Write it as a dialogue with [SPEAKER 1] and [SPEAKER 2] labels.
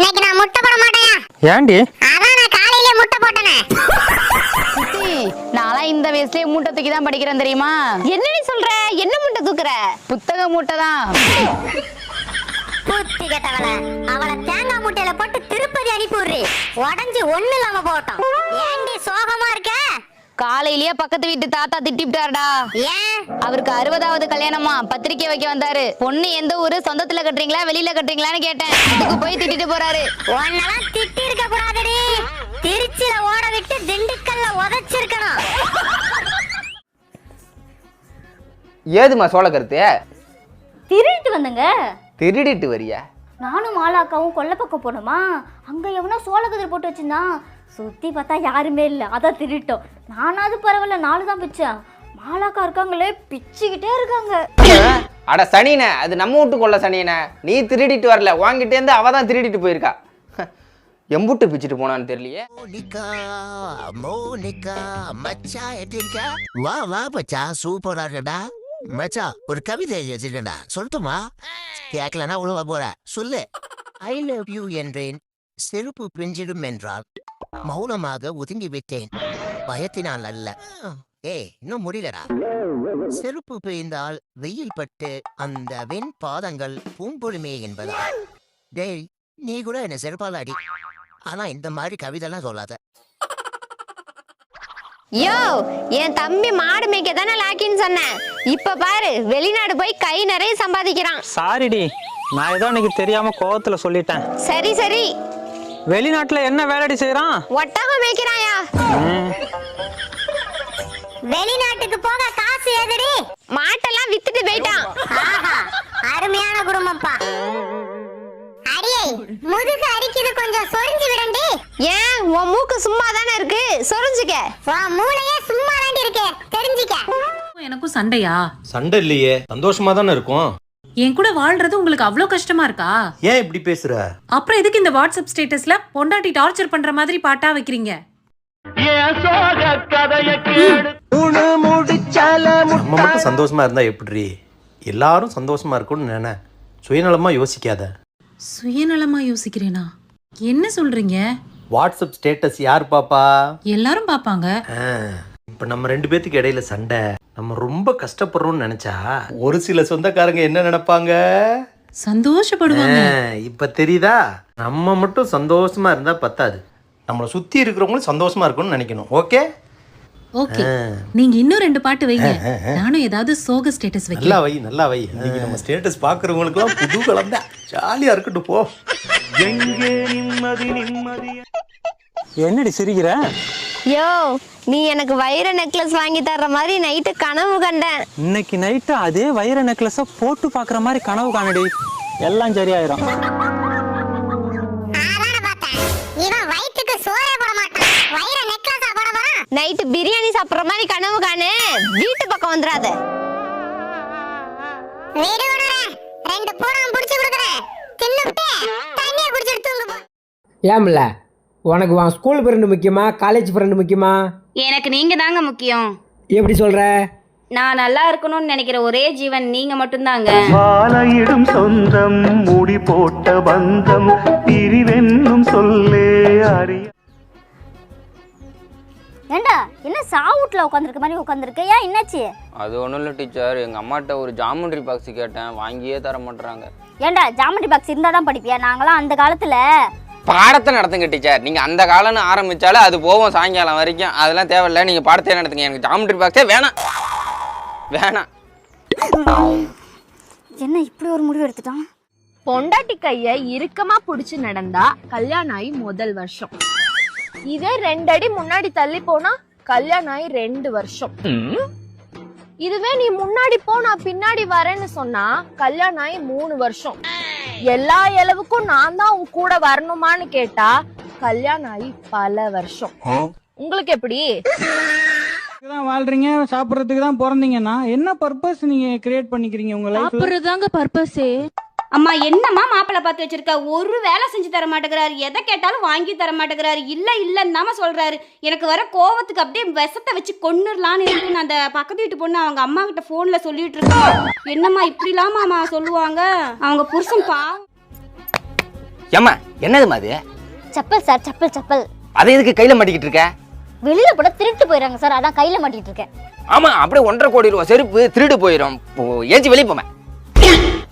[SPEAKER 1] இன்னைக்கு நான் முட்டை போட மாட்டேன்.
[SPEAKER 2] ஏண்டி?
[SPEAKER 1] அதான் நான் காலையிலே முட்டை போட்டேனே.
[SPEAKER 3] நான்லாம் இந்த வயசுலயே மூட்டை தூக்கி தான் படிக்கிறேன் தெரியுமா? என்ன நீ சொல்ற? என்ன மூட்டை தூக்குற? புத்தக மூட்டை தான்.
[SPEAKER 1] புத்தி கேட்டவள, அவளை தேங்காய் மூட்டையில போட்டு திருப்பதி அனுப்பிடுறி. உடஞ்சி ஒண்ணு இல்லாம போட்டோம். ஏண்டி சோகமா இருக்க?
[SPEAKER 3] காலையிலேயே பக்கத்து வீட்டு தாத்தா திட்டிவிட்டாருடா.
[SPEAKER 1] ஏன்?
[SPEAKER 3] அவருக்கு 60வது கல்யாணமா, பத்திரிக்கை வைக்க வந்தாரு. பொண்ணு எந்த ஊரு, சொந்தத்துல கட்டுறீங்களா வெளியில கட்டுறீங்களான்னு கேட்டேன். அதுக்கு போய் திட்டிட்டு போறாரு.
[SPEAKER 1] உன்னெல்லாம் திட்டி இருக்க கூடாதுடி. திருச்சியில ஓட விட்டு திண்டுக்கல்ல உதைச்சிருக்கணும்.
[SPEAKER 4] ஏதுமா சோழ கருத்து?
[SPEAKER 5] திருடிட்டு வந்தங்க.
[SPEAKER 4] திருடிட்டு வரியா?
[SPEAKER 5] நானும் மாலாக்காவும் கொல்லை பக்கம் போனோமா, அங்க எவனோ சோளக்கதிர் போட்டு வச்சிருந்தான். சுத்தி பார்த்தா யாருமே இல்லை, அதான் திருட்டோம். நானாவது பரவாயில்ல, 4 தான் பிச்சேன். மாலாக்கா இருக்காங்களே பிச்சுக்கிட்டே இருக்காங்க.
[SPEAKER 4] அட சனினே, அது நம்ம வீட்டு கொள்ள சனினே. நீ திருடிட்டு வரல, வாங்கிட்டே இருந்து அவ தான் திருடிட்டு போயிருக்கா. எம்புட்டு பிச்சுட்டு போனான்னு தெரியலையே.
[SPEAKER 6] மோனிகா மச்சா எப்படிக்கா? வா வா மச்சா, சூப்பரா இருக்கடா மச்சா. ஒரு கவிதை எழுதிடா, சொல்லட்டுமா? கேட்கலன்னா உழவ போற, சொல்லு. ஐ லவ் யூ என்றேன், செருப்பு பிஞ்சிடும் என்றால் மௌனமாக ஒதுங்கி விட்டேன், பயத்தினால் அல்ல. இன்னும் முடியலடா. செருப்பு பிய்ந்தால் வெயில் பட்டு அந்த வெண் பாதங்கள் பூம்பொழுமே என்பதா. டேய், நீ கூட என்ன செருப்பால அடி, ஆனா இந்த மாதிரி கவிதைலாம் சொல்லாத.
[SPEAKER 3] யோ, என் தம்பி மாடு மேய்க்க தானே லாக்கின்னு சொன்னேன். இப்ப பாரு, வெளிநாடு போய் கை நிறைய சம்பாதிக்கிறான்.
[SPEAKER 2] சாரிடி, நான் ஏதோ எனக்கு தெரியாம கோவத்துல சொல்லிட்டேன்.
[SPEAKER 3] சரி சரி.
[SPEAKER 2] வெளிநாட்டுல என்ன வேலைடி செய்யறான்?
[SPEAKER 3] ஒட்டகம் மேய்க்கிறாயா?
[SPEAKER 1] வெளிநாட்டுக்கு போக காசு ஏதுடி?
[SPEAKER 3] மாட்டெல்லாம் வித்துட்டு போயிட்டான்.
[SPEAKER 1] ஆஹா, அருமையான குடும்பம்ப்பா. அடியே, முதுகு அரிக்குது, கொஞ்சம் சொரிஞ்சு விடண்டி.
[SPEAKER 3] ஏன், உன் மூக்கு சும்மா தானே இருக்கு, சொரிஞ்சுக்க.
[SPEAKER 1] உன் மூளையே சும்மா தாண்டி இருக்கு, தெரிஞ்சுக்க.
[SPEAKER 7] எனக்கும் சண்டையா?
[SPEAKER 8] சண்டை இல்லையே, சந்தோஷமா தானே இருக்கும்.
[SPEAKER 7] என் கூட வாழ்றது உங்களுக்கு அவ்வளவு கஷ்டமா இருக்கா?
[SPEAKER 8] ஏன் இப்படி பேசுற?
[SPEAKER 7] அப்புறம் எதுக்கு இந்த வாட்ஸ்அப் ஸ்டேட்டஸ்ல பொண்டாட்டி டார்ச்சர் பண்ற மாதிரி பாட்டா வைக்கிறீங்க?
[SPEAKER 8] நம்ம மட்டும் சந்தோஷமா இருந்தா எப்படி? எல்லாரும் சந்தோஷமா இருக்கும்னு நினை, சுயநலமா யோசிக்காத.
[SPEAKER 7] சுயநலமா யோசிக்கிறேனா? என்ன சொல்றீங்க?
[SPEAKER 8] வாட்ஸ்அப் ஸ்டேட்டஸ் யார் பாப்பா?
[SPEAKER 7] எல்லாரும் பாப்பாங்க.
[SPEAKER 8] இப்ப நம்ம 2 பேத்துக்கு இடையில சண்டை, நம்ம ரொம்ப கஷ்டப்படுறோம்னு நினைச்சா ஒரு சில சொந்தக்காரங்க என்ன நினைப்பாங்க?
[SPEAKER 7] சந்தோஷப்படுவாங்க.
[SPEAKER 8] இப்ப தெரியுதா? நம்ம மட்டும் சந்தோஷமா இருந்தா பத்தாது, நம்மளை சுத்தி இருக்கிறவங்களும் சந்தோஷமா இருக்கும்னு நினைக்கணும். ஓகே
[SPEAKER 7] ஓகே, நீங்க இன்னும் 2 பாட்டு வைங்க, நானும் ஏதாவது சோக ஸ்டேட்டஸ் வைக்கிறேன்.
[SPEAKER 8] நல்லா வை, நல்லா வை. இன்னைக்கு நம்ம ஸ்டேட்டஸ் பாக்குறவங்களுக்குலாம் புது கலந்தா ஜாலியா இருக்கட்டும். போ. எங்கே நிம்மதி நிம்மதி.
[SPEAKER 2] என்னடி சிரிக்கிற?
[SPEAKER 3] யோ, நீ எனக்கு வைர நெக்லஸ் வாங்கி தர்ற மாதிரி நைட்டு கனவு கண்டேன்.
[SPEAKER 2] இன்னைக்கு நைட்டு அதே வைர நெக்லஸ போட்டு பாக்குற மாதிரி கனவு காணடி, எல்லாம் சரியாயிரும்.
[SPEAKER 1] அதான பார்த்தேன், இவன் வயித்துக்கு சோறே போட மாட்டான், வைர நெக்லஸா போட போறான்.
[SPEAKER 3] நைட்டு பிரியாணி சாப்பிடுற மாதிரி கனவு காணு, வீட்டு பக்கம் வந்துடாத.
[SPEAKER 1] வீடு விடுறே, 2 பூரம் புடிச்சு கொடுக்குறேன், தின்னுட்டு தண்ணியை குடிச்சிட்டு தூங்கு போ.
[SPEAKER 9] ஏம்ல, உனக்கு உன் ஸ்கூல் ஃப்ரெண்டு முக்கியமா, காலேஜ் ஃப்ரெண்டு முக்கியமா?
[SPEAKER 10] எனக்கு நீங்க தாங்க முக்கியம்.
[SPEAKER 9] எப்படி சொல்ற?
[SPEAKER 10] நான் நல்லா இருக்கணும்னு நினைக்கிற ஒரே ஜீவன் நீங்க மட்டும்தாங்க.
[SPEAKER 11] வாழையிடும் சொந்தம், முடி போட்ட பந்தம், பிரிவென்னும் சொல்லே அறிய.
[SPEAKER 5] ஏண்டா, என்ன சாவுட்ல உட்காந்துருக்க மாதிரி உட்காந்துருக்க? ஏன், என்னாச்சு?
[SPEAKER 4] அது ஒன்றும் இல்லை டீச்சர், எங்கள் அம்மாட்ட ஒரு ஜாமெண்ட்ரி பாக்ஸ் கேட்டேன், வாங்கியே தர மாட்டேறாங்க.
[SPEAKER 5] ஏண்டா, ஜாமெண்ட்ரி பாக்ஸ் இருந்தால் தான் படிப்பியா? நாங்களாம் அந்த காலத்தில்
[SPEAKER 4] பாடத்தை நடத்துங்க டீச்சர். நீங்கள் அந்த காலம்னு ஆரம்பித்தாலும் அது போவோம் சாயங்காலம் வரைக்கும், அதெல்லாம் தேவையில்லை. நீங்கள் பாடத்தையே நடத்துங்க, எனக்கு ஜாமெண்ட்ரி பாக்ஸே வேணாம் வேணாம்.
[SPEAKER 5] என்ன இப்படி ஒரு முடிவு எடுத்துட்டான்?
[SPEAKER 10] பொண்டாட்டி கைய இறுக்கமா புடிச்சு நடந்தா கல்யாணம் ஆகி முதல் வருஷம், இதே 2 அடி முன்னாடி தள்ளி போனா கல்யாணம் ஆகி 2 வருஷம். இதுவே நீ முன்னாடி போ நான் பின்னாடி வரேன்னு சொன்னா கல்யாணம் ஆகி 3 வருஷம். எல்லா அளவுக்கும் நான் தான் உன் கூட வரணுமான்னு கேட்டா கல்யாணம் ஆகி பல வருஷம். உங்களுக்கு எப்படி?
[SPEAKER 12] தான் வாழ்றீங்க, சாப்பிடுறதுக்கு தான் பிறந்தீங்கன்னா என்ன பர்பஸ் நீங்க கிரியேட் பண்ணிக்கிறீங்க உங்க லைஃப்ல?
[SPEAKER 7] சாப்பிடுறதாங்க பர்பஸே.
[SPEAKER 10] அம்மா என்னம்மா மாப்பிள்ளை பார்த்து வச்சிருக்க, ஒரு வேலை செஞ்சு தர மாட்டேங்கிறாரு, எதை கேட்டாலும் வாங்கி தர மாட்டேங்கிறாரு, இல்லைன்னு தாம சொல்றாரு. எனக்கு வர கோவத்துக்கு அப்படியே விஷத்தை வச்சு கொன்னுடலான்னு இருக்கு. அந்த பக்கத்து வீட்டு பொண்ணு அவங்க அம்மா கிட்ட போன்ல சொல்லிட்டு இருக்கா. என்னம்மா இப்படி இல்லாம சொல்லுவாங்க, அவங்க புருஷன் பாவம்.
[SPEAKER 4] ஏம்மா என்னதுமா அது?
[SPEAKER 5] செப்பல் சார், செப்பல் செப்பல்.
[SPEAKER 4] அதை எதுக்கு கையில மாட்டிக்கிட்டு இருக்க?
[SPEAKER 5] வெளியில போட திருட்டு போயிடுறாங்க சார், அதான் கையில மாட்டிட்டு இருக்கேன்.
[SPEAKER 4] ஆமா அப்படியே 1.5 கோடி ரூபாய் செருப்பு திருடு போயிடும். ஏஞ்சி வெளியே போமே.